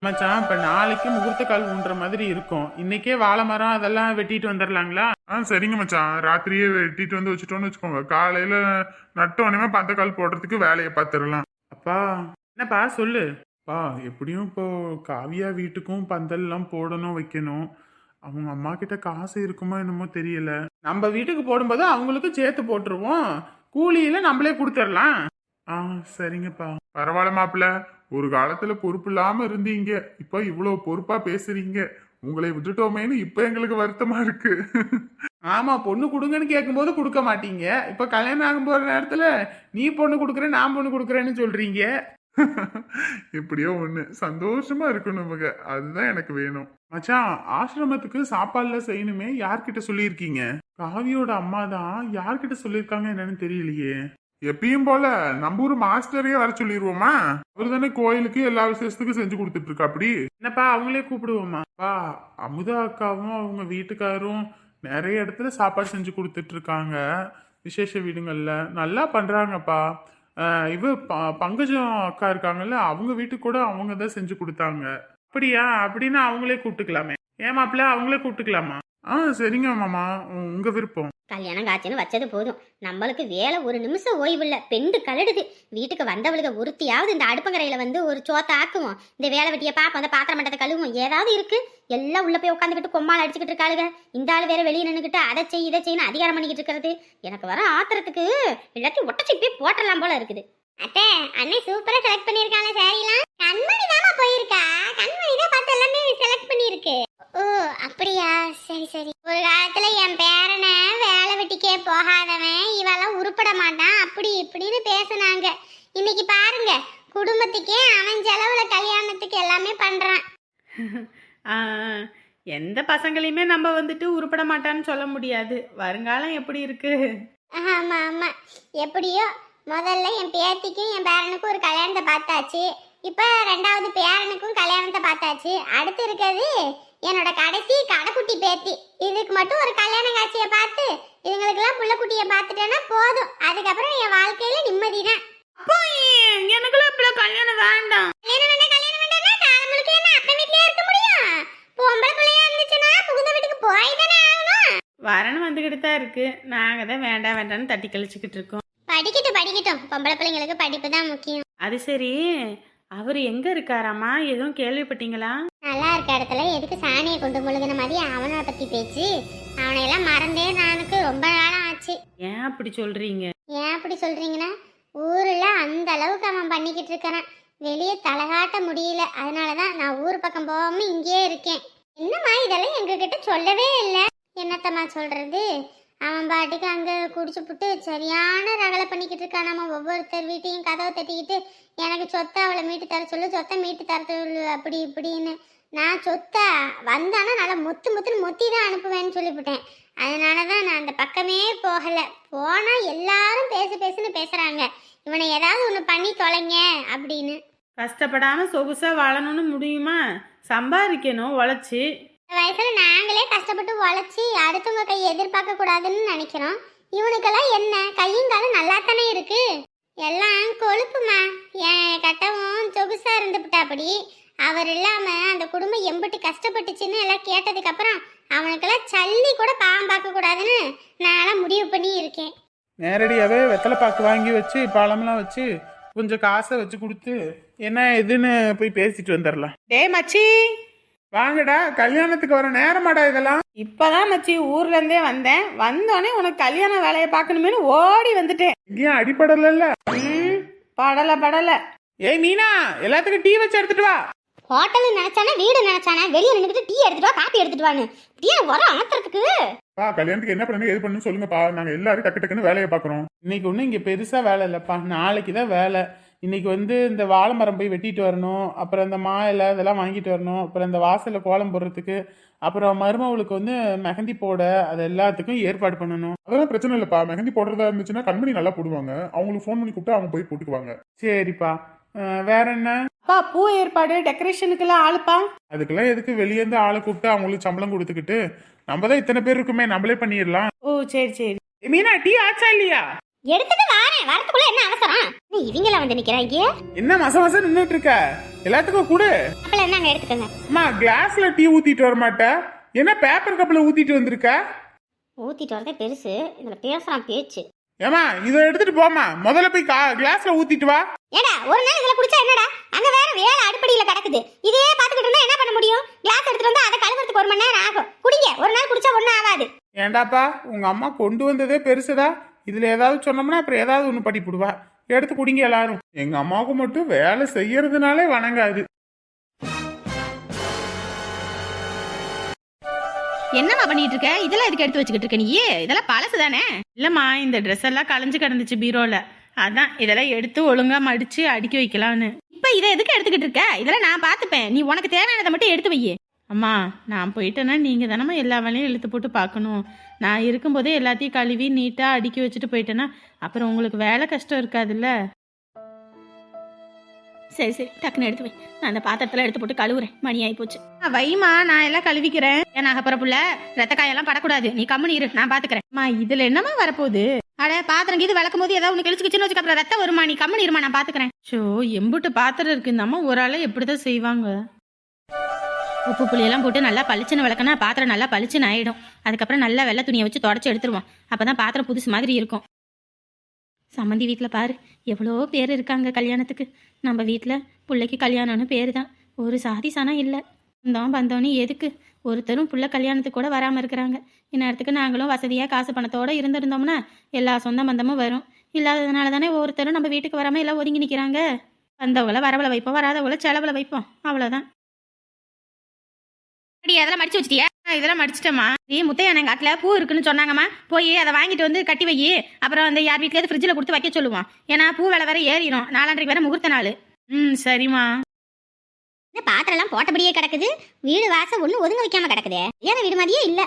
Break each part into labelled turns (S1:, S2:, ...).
S1: மச்சான் இப்ப நாளைக்கு முகூர்த்த கால் ஊன்ற மாதிரி இருக்கும். இன்னைக்கே வாழை மரம் அதெல்லாம் வெட்டிட்டு வந்துடலாங்களா?
S2: சரிங்க மச்சான், ராத்திரியே வெட்டிட்டு வந்து வச்சுட்டோன்னு வச்சுக்கோங்க, காலையில நட்டோனே பந்தக்கால் போடுறதுக்கு வேலையை பார்த்துடலாம்.
S1: அப்பா என்னப்பா சொல்லு. பா எப்படியும் இப்போ காவியா வீட்டுக்கும் பந்தல் எல்லாம் போடணும் வைக்கணும். அவங்க அம்மா கிட்ட காசு இருக்குமோ என்னமோ தெரியல. நம்ம வீட்டுக்கு போடும்போது அவங்களுக்கும் சேர்த்து போட்டுருவோம். கூலியில நம்மளே கொடுத்துடலாம். சரிங்கப்பா.
S2: பரவாயில்ல மாப்பிள்ள, ஒரு காலத்துல பொறுப்பு இல்லாம இருந்தீங்க, இப்ப இவ்வளவு பொறுப்பா பேசுறீங்க. உங்களை விட்டுட்டோமேன்னு இப்ப எங்களுக்கு வருத்தமா இருக்கு.
S1: ஆமா, பொண்ணு கொடுங்கன்னு கேட்கும்போது கொடுக்க மாட்டீங்க. இப்ப கல்யாணம் ஆகும் போற நேரத்துல நீ பொண்ணு கொடுக்குற நான் பொண்ணு கொடுக்குறேன்னு சொல்றீங்க.
S2: எப்படியோ ஒண்ணு சந்தோஷமா இருக்கணும் இவங்க, அதுதான் எனக்கு வேணும்.
S1: மச்சான் ஆசிரமத்துக்கு சாப்பாடுல செய்யணுமே, யார்கிட்ட சொல்லியிருக்கீங்க? காவியோட அம்மா தான். யார்கிட்ட சொல்லியிருக்காங்க என்னன்னு தெரியலையே.
S2: எப்பயும் போல நம்ம ஊர் மாஸ்டரையே வர சொல்லிடுவோமா? அவர் தானே கோயிலுக்கு எல்லா விசேஷத்துக்கும் செஞ்சு கொடுத்துட்டு இருக்கா. அப்படி
S1: என்னப்பா அவங்களே கூப்பிடுவோமா? அமுதா அக்காவும் அவங்க வீட்டுக்காரும் நிறைய இடத்துல சாப்பாடு செஞ்சு கொடுத்துட்டு இருக்காங்க. விசேஷ வீடுங்கள்ல நல்லா பண்றாங்கப்பா. பங்கஜம் அக்கா இருக்காங்கல்ல, அவங்க வீட்டுக்கு கூட அவங்க தான் செஞ்சு கொடுத்தாங்க. அப்படியா? அப்படின்னா அவங்களே கூப்பிட்டுக்கலாமே. ஏமாப்பிள்ள அவங்களே கூப்பிட்டுக்கலாமா? சரிங்க மாமா, உங்க விருப்பம்.
S3: கல்யாணம் காட்சின்னு வச்சது போதும். நம்மளுக்கு வேலை ஒரு நிமிஷம் ஓய்வு இல்லை, பெண்டு கலடுது. வீட்டுக்கு வந்தவளுக்கு ஒருத்தியாவது இந்த அடுப்பங்கரையில வந்து ஒரு சோத்தை ஆக்குவோம், இந்த வேலை வெட்டியை பார்ப்போம், அந்த பாத்திரம் மட்டத்தை கழுவுவோம், ஏதாவது இருக்கு. எல்லாம் உள்ள போய் உட்காந்துக்கிட்டு கொம்மால் அடிச்சுக்கிட்டு இருக்காளுங்க. இந்த ஆள் வேற வெளியே நின்றுக்கிட்டு அதை செய் இதை செய்யணும் அதிகாரம் பண்ணிக்கிட்டு இருக்கிறது. எனக்கு வர ஆத்திரத்துக்கு எல்லாத்தையும் ஒட்டச்சி போய் போட்டலாம் போல இருக்குது. அத்தை, அண்ணன் சூப்பரா செலக்ட் பண்ணிருக்காங்க சாரிலாம். கண்மணி தாமா போயிருக்கா, கண்மணி தான் பார்த்து எல்லாமே செலக்ட் பண்ணிருக்கு. ஓ அப்படியா, சரி சரி. ஒரு காலத்துல என் பேரனை வேலை வெட்டிக்கே போகாதவன் இவெல்லாம் உருப்பட மாட்டான் அப்படி இப்படின்னு பேசுனாங்க. இன்னைக்கு பாருங்க, குடும்பத்துக்கே அவன் செலவுல கல்யாணத்துக்கு எல்லாமே பண்றான்.
S4: எந்த பசங்களையுமே நம்ம வந்துட்டு உருப்பட மாட்டான்னு சொல்ல முடியாது. வருங்காலம் எப்படி இருக்கு?
S3: ஆமா ஆமா, எப்படியோ முதல்ல என் பேத்திக்கும் என் பேரனுக்கும் ஒரு கல்யாணத்தை பார்த்தாச்சு. இப்ப ரெண்டாவது பேரனுக்கும் கல்யாணத்தை பார்த்தாச்சு. அடுத்து இருக்கிறது என்னோட கடைசி கடைக்குட்டி பேத்தி. இதுக்கு மட்டும் ஒரு கல்யாண காட்சியை பார்த்து இதுங்களுக்கெல்லாம் புள்ள குட்டியை பார்த்துட்டேன்னா போதும். அதுக்கப்புறம் என் வாழ்க்கையில நிம்மதி தான்.
S4: எனக்குலாம் இப்ப கல்யாணம் வேண்டாம்.
S3: கல்யாணம் வேண்டாம்னா காலங்களுக்கு என்ன அப்ப வீட்லயே இருக்க முடியும்? பொம்பளை பிள்ளையா இருந்துச்சுன்னா புகுந்த வீட்டுக்கு போய் தானே ஆகணும்.
S4: வரணும் வந்துகிட்டு தான் இருக்கு. நாங்க தான் வேண்டாம் வேண்டாம்னு தட்டி கழிச்சுக்கிட்டு இருக்கோம்.
S3: படிக்கட்டும், பொம்பளை பிள்ளைங்களுக்கு படிப்பு தான் முக்கியம்.
S4: அது சரி, அவர் எங்க இருக்காராமா? எதுவும் கேள்விப்பட்டீங்களா?
S3: நல்லா இருக்க இடத்துல எதுக்கு சாணியை கொண்டு முழுகின மாதிரி அவனை பத்தி பேச்சு? அவனையெல்லாம் மறந்தே நானுக்கு ரொம்ப நாளம் ஆச்சு.
S4: ஏன் அப்படி சொல்றீங்க?
S3: ஏன் அப்படி சொல்றீங்கன்னா, ஊர்ல அந்த அளவுக்கு அவன் பண்ணிக்கிட்டு இருக்கிறான், வெளியே தலகாட்ட முடியல. அதனாலதான் நான் ஊர் பக்கம் போகாம இங்கேயே இருக்கேன். என்னம்மா இதெல்லாம் எங்ககிட்ட சொல்லவே இல்லை. என்னத்தம்மா சொல்றது? அவன் பாட்டுக்கு அங்கே குடிச்சு புட்டு சரியான ரகலை பண்ணிக்கிட்டு இருக்கான். நம்ம ஒவ்வொருத்தர் வீட்டையும் கதவை தட்டிக்கிட்டு எனக்கு சொத்தை அவளை மீட்டு தர சொல்லு, சொத்தை மீட்டு தர சொல்லு, அப்படி இப்படின்னு. நான் சொத்தை வந்தானா நல்லா முத்துன்னு மொத்தி தான் அனுப்புவேன்னு சொல்லிவிட்டேன். அதனால தான் நான் அந்த பக்கமே போகலை. போனால் எல்லாரும் பேசுன்னு பேசுகிறாங்க, இவனை ஏதாவது ஒன்று பண்ணி தொலைங்க அப்படின்னு.
S4: கஷ்டப்படாம சொகுசா வாழணும்னு முடியுமா? சம்பாதிக்கணும் உழைச்சி.
S3: வயசுல நாங்களே கஷ்டப்பட்டு உழைச்சி அடுத்தவங்க கையை எதிர்பார்க்க கூடாதுன்னு நினைக்கிறோம். இவனுக்கெல்லாம் என்ன கையும் காலும் நல்லா தானே இருக்கு. எல்லாம் கொழுப்புமா. என் கட்டவும் சொகுசா இருந்துவிட்டாப்படி. அவர் இல்லாம அந்த குடும்பம் எம்பிட்டு கஷ்டப்பட்டுச்சுன்னு எல்லாம் கேட்டதுக்கு அப்புறம் அவனுக்கெல்லாம் சல்லி கூட பாவம் பார்க்க கூடாதுன்னு நான் முடிவு பண்ணி இருக்கேன்.
S1: நேரடியாவே வெத்தலை பாக்கு வாங்கி வச்சு பழமெல்லாம் வச்சு கொஞ்சம் காசை வச்சு கொடுத்து என்ன எதுன்னு போய் பேசிட்டு வந்துடலாம்.
S4: டே மச்சி,
S1: வாங்கடா, கல்யாணத்துக்கு வர நேரமாடா இதெல்லாம்.
S4: இப்பதான் மச்சி ஊர்ல இருந்தே வந்தேன். வந்தோடனே உனக்கு கல்யாண வேலையை பார்க்கணுமேனு ஓடி வந்துட்டேன்.
S1: இங்கேயும் அடிப்படல.
S4: படல.
S1: ஏய் மீனா, எல்லாத்துக்கும் டீ வச்சு எடுத்துட்டு வா.
S3: ஹோட்டல் நினைச்சானே வீடு நினைச்சானே வெளியே நின்றுட்டு டீ எடுத்துட்டு வா, காப்பி எடுத்துட்டு வான்னு டீ வர அமர்த்துறதுக்கு.
S2: கல்யாணத்துக்கு என்ன பண்ணுங்க எது பண்ணு சொல்லுங்கப்பா, நாங்க எல்லாரும் டக்கு டக்குன்னு வேலையை பாக்குறோம்.
S1: இன்னைக்கு ஒன்றும் இங்க பெருசா வேலை இல்லப்பா, நாளைக்கு தான் வேலை. இன்னைக்கு இந்த வாழை மரம் போய் வெட்டிட்டு வரணும், அப்புறம் இந்த மா இலை இதெல்லாம் வாங்கிட்டு வரணும், அப்புறம் இந்த வாசலில் கோலம் போடுறதுக்கு, அப்புறம் மருமவளுக்கு மெஹந்தி போட, அது எல்லாத்துக்கும் ஏற்பாடு பண்ணணும்.
S2: அதெல்லாம் பிரச்சனை இல்லப்பா, மெஹந்தி போடுறதா இருந்துச்சுன்னா கண்மணி நல்லா போடுவாங்க, அவங்களுக்கு ஃபோன் பண்ணி கூப்பிட்டு அவங்க போய் போட்டுக்குவாங்க.
S1: சரிப்பா. வேற என்ன?
S4: அப்பா பூ ஏற்பாடு டெக்கரேஷனுக்கெல்லாம் ஆளுப்பா.
S1: அதுக்கெல்லாம் எதுக்கு வெளியே இருந்து ஆளை கூப்பிட்டு அவங்களுக்கு சம்பளம் கொடுத்துக்கிட்டு, நம்ம தான் இத்தனை பேர் இருக்குமே, நம்மளே பண்ணிடலாம்.
S4: ஓ சரி.
S1: மீனா, டீ ஆச்சா இல்லையா?
S3: எடுத்துட்டு வாரேன், வரதுக்குள்ள என்ன அவசரம்? என்ன இவங்கள வந்து நிக்கிறாங்க?
S1: என்ன மச நின்னுட்டு இருக்க? எல்லாத்துக்கும் கூட
S3: அப்பல என்ன அங்க எடுத்துக்கங்க.
S1: அம்மா கிளாஸ்ல டீ ஊத்திட்டு வர மாட்ட? என்ன பேப்பர் கப்ல ஊத்திட்டு வந்திருக்க?
S3: ஊத்திட்டு வரதே பெருசு, இதுல பேசுறான் பேச்சு.
S1: ஏமா இதை எடுத்துட்டு போமா, முதல்ல போய் கிளாஸ்ல ஊத்திட்டு வா.
S3: ஏடா ஒரு நாள் இதுல குடிச்சா என்னடா? அங்க வேற வேலை அடுப்படியில கிடக்குது, இதே பாத்துக்கிட்டு இருந்தா என்ன பண்ண முடியும்? கிளாஸ் எடுத்துட்டு வந்து அதை கழுவுறதுக்கு 1 மணி நேரம் ஆகும். குடிங்க, ஒரு நாள் குடிச்சா ஒண்ணும் ஆகாது.
S1: ஏண்டாப்பா உங்க அம்மா கொண்டு வந்ததே பெருசுடா, இதுல ஏதாவது சொன்னோம்னா அப்புறம் ஏதாவது ஒண்ணு படிப்புடுவா. எடுத்து குடிங்க எல்லாரும். எங்க அம்மாவுக்கு மட்டும் வேலை செய்யறதுனாலே வணங்காது.
S4: என்னம்மா பண்ணிட்டு இருக்க? இதெல்லாம் எதுக்கு எடுத்து வச்சுக்கிட்டு இருக்க நீ? இதெல்லாம் பழசு தானே? இல்லம்மா, இந்த ட்ரெஸ் எல்லாம் கலைஞ்சு கிடந்துச்சு பீரோல, அதான் இதெல்லாம் எடுத்து ஒழுங்கா மடிச்சு அடுக்கி வைக்கலாம்னு. இப்ப இதை எதுக்கு எடுத்துக்கிட்டு இருக்க? இதெல்லாம் நான் பாத்துப்பேன், நீ உனக்கு தேவையானதை மட்டும் எடுத்து வை. அம்மா நான் போயிட்டேன்னா நீங்க தானம்மா எல்லா வேலையும் இழுத்து போட்டு பார்க்கணும். நான் இருக்கும்போதே எல்லாத்தையும் கழுவி நீட்டா அடுக்கி வச்சுட்டு போயிட்டேன்னா அப்புறம் உங்களுக்கு வேலை கஷ்டம் இருக்காதுல்ல. சரி சரி, டக்குன்னு எடுத்து வை. நான் அந்த பாத்திரத்துல எடுத்து போட்டு கழுவுறேன், மணி ஆகி போச்சு. வைமா, நான் எல்லாம் கழுவிக்கிறேன். ஏன்னா அப்புறப்புல ரத்த காயெல்லாம் படக்கூடாது, நீ கம்முனு இரு, நான் பாத்துக்கிறேன். அம்மா இதுல என்னமா வரப்போகுது? அட பாத்திரம் இது விளக்கும் போது ஏதாவது ஒன்று கிழிச்சுக்கிச்சுன்னு வச்சுக்க, அப்புறம் ரத்தம் வருமா? நீ கம்முனு இருமா, நான் பாத்துக்கிறேன். ஷோ எம்புட்டு பாத்திரம் இருக்கு, இந்த அம்மா ஒரு ஆளை எப்படிதான் செய்வாங்க? உப்பு புளியெல்லாம் போட்டு நல்லா பளிச்சுன்னு விளக்குனா பாத்திரம் நல்லா பளிச்சுன்னு ஆயிடும். அதுக்கப்புறம் நல்லா வெள்ளை துணியை வச்சு தொடச்சி எடுத்துருவோம், அப்பதான் பாத்திரம் புதுசு மாதிரி இருக்கும். சம்மந்தி வீட்டில் பாரு, எவ்வளோ பேர் இருக்காங்க கல்யாணத்துக்கு. நம்ம வீட்டில் பிள்ளைக்கு கல்யாணம்னு பேர் தான், ஒரு சாதி சனம் இல்லை. வந்தோம் வந்தோன்னு எதுக்கு ஒருத்தரும் புள்ள கல்யாணத்துக்கு கூட வராமல் இருக்கிறாங்க. இந்நேரத்துக்கு நாங்களும் வசதியாக காசு பணத்தோடு இருந்திருந்தோம்னா எல்லா சொந்த பந்தமும் வரும். இல்லாததுனால தானே ஒருத்தரும் நம்ம வீட்டுக்கு வராமல் எல்லாம் ஒதுங்கி நிற்கிறாங்க. வந்தவங்கள வரவளை வைப்போம், வராதவங்கள செலவில் வைப்போம், அவ்வளோதான். அதெல்லாம் மடிச்சு வச்சிட்டியா? இதெல்லாம் மடிச்சிட்டேம்மா. முத்தையா எங்க காட்டுல பூ இருக்குன்னு சொன்னாங்கம்மா, போய் அதை வாங்கிட்டு வந்து கட்டி வை. அப்புறம் அந்த யார் வீட்லயாவது ஃப்ரிட்ஜில் கொடுத்து வைக்க சொல்லுவோம், ஏன்னா பூ விலை வேற ஏறிடும். 4:30 வேற முகூர்த்த நாள். சரிம்மா.
S3: இந்த பாத்திரம் எல்லாம் போட்டபடியே கிடக்குது, வீடு வாசம் ஒண்ணு ஒதுங்க வைக்காம கிடக்குதே. ஏன்னா வீடு மாதிரியே இல்ல.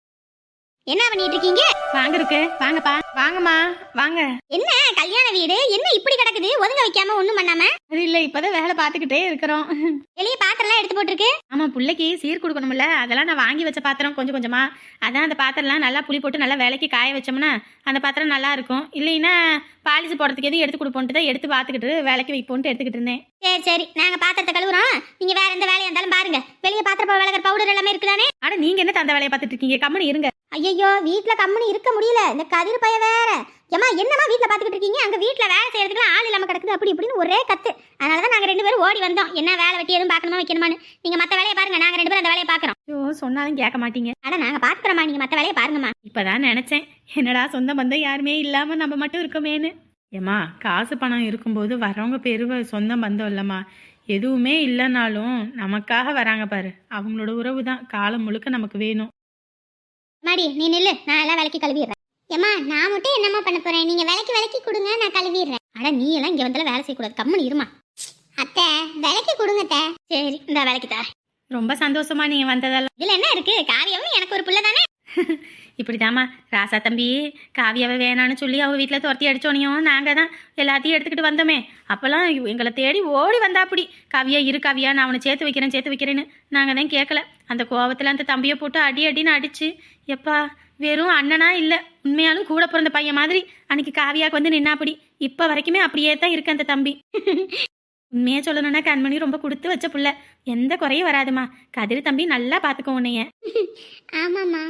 S3: என்ன பண்ணிட்டு இருக்கீங்க?
S4: வாங்க இருக்கு, வாங்கப்பா, வாங்கம்மா வாங்க.
S3: என்ன கல்யாண வீடு என்ன இப்படி கிடக்குது, ஒதுங்க வைக்காம ஒண்ணும் பண்ணாம?
S4: அது இல்ல, இப்பதான் வேலை பார்த்துக்கிட்டே இருக்கிறோம்.
S3: வெளியே பாத்திரம் எல்லாம் எடுத்து போட்டுருக்கு.
S4: ஆமா, பிள்ளைக்கு சீர் கொடுக்கணும்ல, அதெல்லாம் நான் வாங்கி வச்ச பாத்திரம் கொஞ்சம் கொஞ்சமா. அதான் அந்த பாத்திரம்லாம் நல்லா புளி போட்டு நல்லா வேலைக்கு காய வச்சோம்னா அந்த பாத்திரம் நல்லா இருக்கும். இல்லைன்னா பாலிஷ் போடுறதுக்கு எதுவும் எடுத்து கொடுப்போன்ட்டு தான் எடுத்து பார்த்துக்கிட்டு வேலைக்கு வைப்போன்ட்டு எடுத்துக்கிட்டு இருந்தேன்.
S3: சரி சரி, நாங்க பாத்திரத்தை கழுவுறோம், நீங்க வேற எந்த வேலையா இருந்தாலும் பாருங்க. வெளியே பாத்திரம் விளக்குற பவுடர் எல்லாமே இருக்குதானே?
S4: ஆனா நீங்க என்ன அந்த வேலையை பார்த்துட்டு இருக்கீங்க? கம்மனு இருங்க.
S3: ஐயோ வீட்டுல கம்முனு இருக்க முடியல, இந்த கதிர் பைய வேற. ஏமா என்னமா வீட்டுல பாத்துக்கிட்டு இருக்கீங்க? அங்க வீட்டுல வேலை செய்யறதுக்குலாம் ஆள் இல்லாம கிடக்குது, அப்படி இப்படின்னு ஒரே கத்து. அதனாலதான் நாங்க 2 பேரும் ஓடி வந்தோம், என்ன வேலை வெட்டி எதுவும் பார்க்கணுமா வைக்கணுமான்னு. நீங்க மத்த வேலையை பாருங்க, நாங்க 2 பேரும் அந்த வேலையை பாக்குறோம்.
S4: ஐயோ சொன்னாலும் கேட்க மாட்டீங்க.
S3: ஆனா நாங்க பாத்துக்கிறோமா, நீங்க மத்த வேலையை பாருங்கம்மா.
S4: இப்பதான் நினைச்சேன், என்னடா சொந்த பந்தம் யாருமே இல்லாம நம்ம மட்டும் இருக்கமேன்னு. ஏமா காசு பணம் இருக்கும்போது வரவங்க பேரு சொந்த பந்தம் இல்லம்மா. எதுவுமே இல்லைனாலும் நமக்காக வராங்க பாரு, அவங்களோட உறவு தான் காலம் முழுக்க நமக்கு வேணும்.
S3: மாடி நீ நில்லு, நான் எல்லாம் விலைக்கு கழுவிடுறேன். ஏமா நான் மட்டும் என்னம்மா பண்ண போறேன்? நீங்க விலைக்கு கொடுங்க, நான் கழுவிடுறேன். அட நீ எல்லாம் இங்க வந்தாலும் வேலை செய்யக்கூடாது, கம்முன்னு இருமா. அத்தை விலைக்கு கொடுங்க அத்தை. சரி இந்த விலைக்கு தா.
S4: ரொம்ப சந்தோஷமா நீங்க வந்ததெல்லாம்.
S3: இதுல என்ன இருக்கு, காவியாவும் எனக்கு ஒரு பிள்ளை தானே.
S4: இப்படிதாம்மா ராசா தம்பி காவியாவை வேணான்னு சொல்லி அவ வீட்டில் துரத்தி அடிச்சோனையும் நாங்கள் தான் எல்லாத்தையும் எடுத்துக்கிட்டு வந்தோமே. அப்போல்லாம் எங்களை தேடி ஓடி வந்தா அப்படி, காவியா இரு காவியா, நான் அவனை சேர்த்து வைக்கிறேன்னு. நாங்கள் தான் கேட்கல. அந்த கோவத்தில் அந்த தம்பியை போட்டு அடின்னு அடிச்சு, எப்பா வெறும் அண்ணனா இல்லை, உண்மையாலும் கூட பிறந்த பையன் மாதிரி அன்னைக்கு காவியாவுக்கு வந்து நின்னாப்படி. இப்போ வரைக்குமே அப்படியே தான் இருக்கு அந்த தம்பி. உண்மையாக சொல்லணும்னா கண்மணி ரொம்ப கொடுத்து வச்ச புள்ள, எந்த குறையும் வராதுமா. கதிர் தம்பி நல்லா பார்த்துக்கோ உன்னைய.
S3: ஆமாம்மா.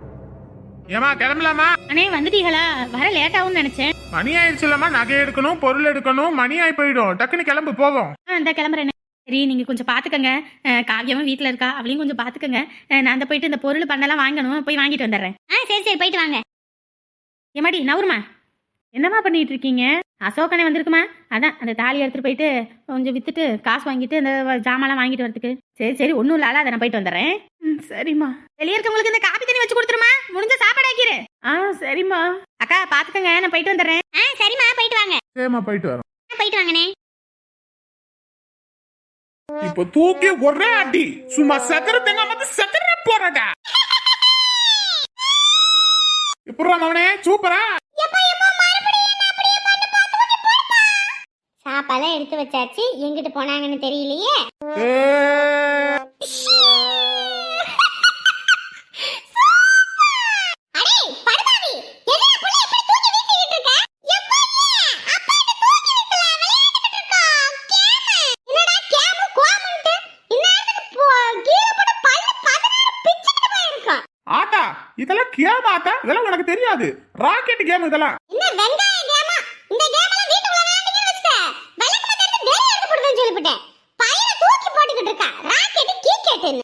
S1: ஏமா கிளம்பலாமா?
S4: அண்ணே வந்துட்டீங்களா? வர லேட்டாகும்னு நினைச்சேன்.
S1: மணி ஆயிடுச்சுலமா, நகை எடுக்கணும், பொருள் எடுக்கணும், மணி ஆகி போயிடும். டக்குன்னு கிளம்பு போகும்.
S4: அந்த கிளம்புறேன். சரி நீங்கள் கொஞ்சம் பார்த்துக்கங்க, காவியமும் வீட்டில் இருக்கா, அவளையும் கொஞ்சம் பார்த்துக்கங்க. நான் அந்த போயிட்டு இந்த பொருள் பண்ணலாம் வாங்கணும், போய் வாங்கிட்டு வந்துடுறேன்.
S3: சரி சரி போயிட்டு வாங்க.
S4: ஏமாடி நவருமா, என்னம்மா பண்ணிட்டு இருக்கீங்க? அசோகனே வந்திருக்குமா, அதான் அந்த தாலி எடுத்துட்டு போயிட்டு கொஞ்சம் வித்துட்டு காசு வாங்கிட்டு அந்த ஜாமான்லாம் வாங்கிட்டு வரதுக்கு. சரி ஒன்றும் இல்லை, அதை நான் போயிட்டு வந்துடுறேன். சரிம்மா. வெளியே இருக்கவங்களுக்கு இந்த காப்பி தண்ணி வச்சு கொடுத்துருமா, முடிஞ்ச சாப்பாடு ஆக்கிரு. சரிம்மா. அக்கா பார்த்துக்கங்க, நான் போயிட்டு வந்துடுறேன்.
S3: சரிம்மா போயிட்டு வாங்க.
S1: சரிம்மா போயிட்டு வரோம்.
S3: போயிட்டு வாங்கண்ணே.
S1: இப்போ தூக்கி ஒரே அடி, சும்மா சக்கரத்தங்க வந்து சக்கர போறடா. எப்பறா மவனே, சூப்பரா.
S3: சாப்பாடுலாம் எடுத்து வச்சாச்சு, எங்கிட்டு போனாங்கன்னு தெரியலையே.
S1: இதெல்லாம் கேம் ஆத்தா, இதெல்லாம் உனக்கு தெரியாது. ராக்கெட் கேம் இதெல்லாம்.
S3: என்ன வெங்காய கேமா? இந்த கேம் எல்லாம் வீட்டுக்குள்ள விளையாடுறீங்கன்னு வெச்சுக்க. விளக்கு மத்த எடுத்து வெளிய எடுத்து போடுவேன்னு சொல்லிவிட்டேன். பையனை தூக்கி போட்டுக்கிட்டு இருக்கா. ராக்கெட் கீக்கெட்னு.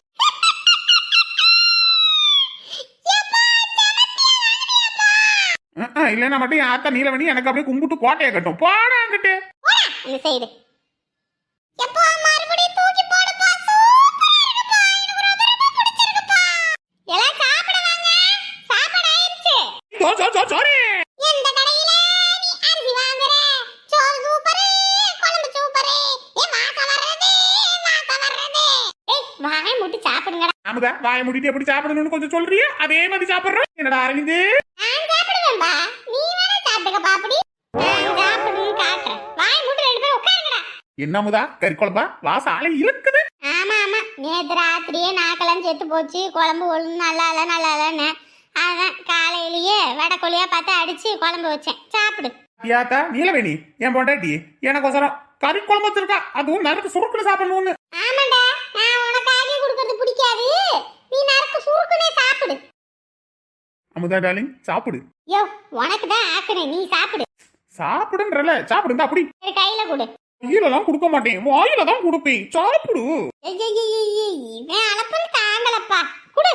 S1: இல்லைன்னா மட்டும் என் ஆத்தா நீலவணி எனக்கு அப்படியே கும்பிட்டு கோட்டையை கட்டும். போடாங்கிட்டு
S3: போடா இந்த சைடு. எப்போ மறுபடியும் தூக்கி போடுப்பா. சூப்பரா இருக்குப்பா. எனக்கு ரொம்ப பிடிச்சிருக்குப்பா. எல்லாம் சாப்பிட வாங்க. சாப்பாடு ஆயிருச்சு.
S1: சாரி.
S3: எந்த கடையில நீ அரிசி வாங்குற? சோறு சூப்பரு, குழம்பு சூப்பரு. வாசம் வர்றது, வாசம் வர்றது. வாயை மூடி சாப்பிடுங்கடா.
S1: அமுதா வாயை மூடிட்டு எப்படி சாப்பிடணும்னு கொஞ்சம் சொல்றியா? அதே மாதிரி சாப்பிடுறோம். என்னடா அரவிந்து?
S3: நான் சாப்பிடுவேன்பா. நீ வேணா சாப்பிடுங்க பாப்படி. நான் சாப்பிடுன்னு காட்டுறேன். வாயை மூடி 2 பேரும் உட்காருங்கடா.
S1: என்ன அமுதா கறி குழம்பா? வாசம் ஆளை இழுக்குது.
S3: ஆமா ஆமா, நேத்து ராத்திரியே நாக்கெல்லாம் செத்து போச்சு. குழம்பு ஒழுங்கு நல்லா இல்லைன்னு அதான் காலையிலேயே வடக்கொழியா பார்த்து அடிச்சு குழம்பு வச்சேன். சாப்பிடு.
S1: யாத்தா நீலவேணி என் பொண்டாட்டி எனக்கோசரம் கறி குழம்பு வச்சிருக்கா. அதுவும் நறுக்கு சுருக்குன்னு சாப்பிடணும்னு.
S3: ஆமாண்டா, நான் உனக்கு ஆகி கொடுக்கறது பிடிக்காது. நீ நறுக்கு சுருக்குனே சாப்பிடு.
S1: அமுதா டார்லிங் சாப்பிடு.
S3: யோ, உனக்கு தான் ஆக்குறேன், நீ சாப்பிடு.
S1: சாப்பிடுன்றல சாப்பிடுங்க. அப்படி
S3: சரி, கையில கொடு.
S1: கையிலலாம் கொடுக்க மாட்டேன், வாயில தான் கொடுப்பேன். சாப்பிடு.
S3: இவன் அளப்பல் தாங்கலப்பா. குடு.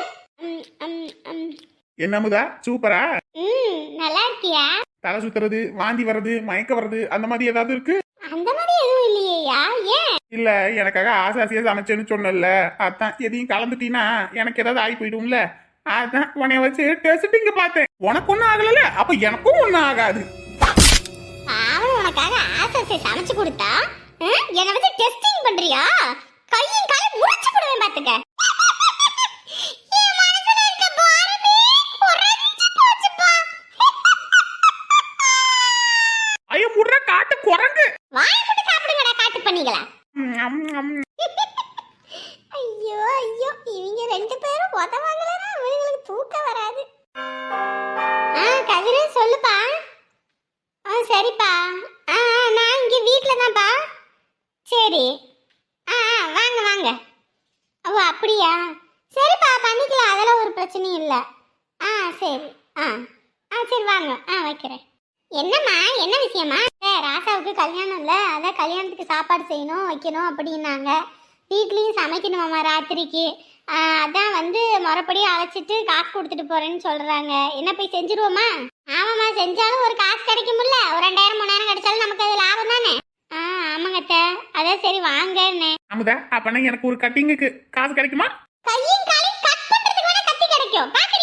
S1: என்ன அமுதா சூப்பரா?
S3: நல்லா இருக்கியா?
S1: தலை சுத்துறது, வாந்தி வர்றது, மயக்க வர்றது அந்த மாதிரி ஏதாவது இருக்கு?
S3: அந்த மாதிரி எதுவும் இல்லையா? ஏன்?
S1: இல்ல எனக்காக ஆசாசியா சமைச்சேன்னு சொன்னல, அதான் எதையும் கலந்துட்டீங்கன்னா எனக்கு ஏதாவது ஆகி போயிடும்ல, அதான் உன்னைய வச்சு டெஸ்டிங்க பார்த்தேன். உனக்கு ஒண்ணும் ஆகல, அப்ப எனக்கும் ஒண்ணும் ஆகாது.
S3: அவன் உனக்காக ஆசை சமைச்சு கொடுத்தா என்னை வச்சு டெஸ்டிங் பண்றியா? கையும் காலையும் முறிச்சு போடுவேன் பாத்துக்க. என் மனசுல இருக்க பாரமே குறைஞ்சு போச்சுப்பா.
S1: ஐயோ முடுற காட்டு குரங்கு.
S3: வாயை போட்டு சாப்பிடுங்கடா காட்டு பண்ணிங்களா. ஐயோ ஐயோ, இவங்க 2 பேரும் உதவாங்களா? இவங்களுக்கு தூக்கம் வராது. கதிர சொல்லுப்பா. சரிப்பா. நான் இங்க வீட்டில் தான்ப்பா. சரி. வாங்க வாங்க. ஓ அப்படியா? சரிப்பா, பண்ணிக்கலாம். அதெல்லாம் ஒரு பிரச்சனையும் இல்லை. சரி. சரி வாங்க. வைக்கிறேன். என்னம்மா, என்ன விஷயமா? ராசாவுக்கு கல்யாணம் இல்லை, அதான் கல்யாணத்துக்கு சாப்பாடு செய்யணும் வைக்கணும் அப்படின்னாங்க. வீட்லேயும் சமைக்கணுமாம்மா ராத்திரிக்கு. அதான் வந்து முறைப்படி அழைச்சிட்டு காசு கொடுத்துட்டு போறேன்னு சொல்றாங்க. என்ன போய் செஞ்சிருவோமா? ஆமாம்மா, செஞ்சாலும் ஒரு காசு கிடைக்கும்ல. ஒரு 2000 3000 கிடைச்சாலும் நமக்கு அது லாபம் தானே. ஆமாங்கத்த. அதான் சரி வாங்கன்னு.
S1: அமுதா அப்பனா எனக்கு ஒரு கட்டிங்குக்கு காசு கிடைக்குமா?
S3: கையும் காலையும் கட் பண்றதுக்கு வேணா கத்தி கிடைக்கும்.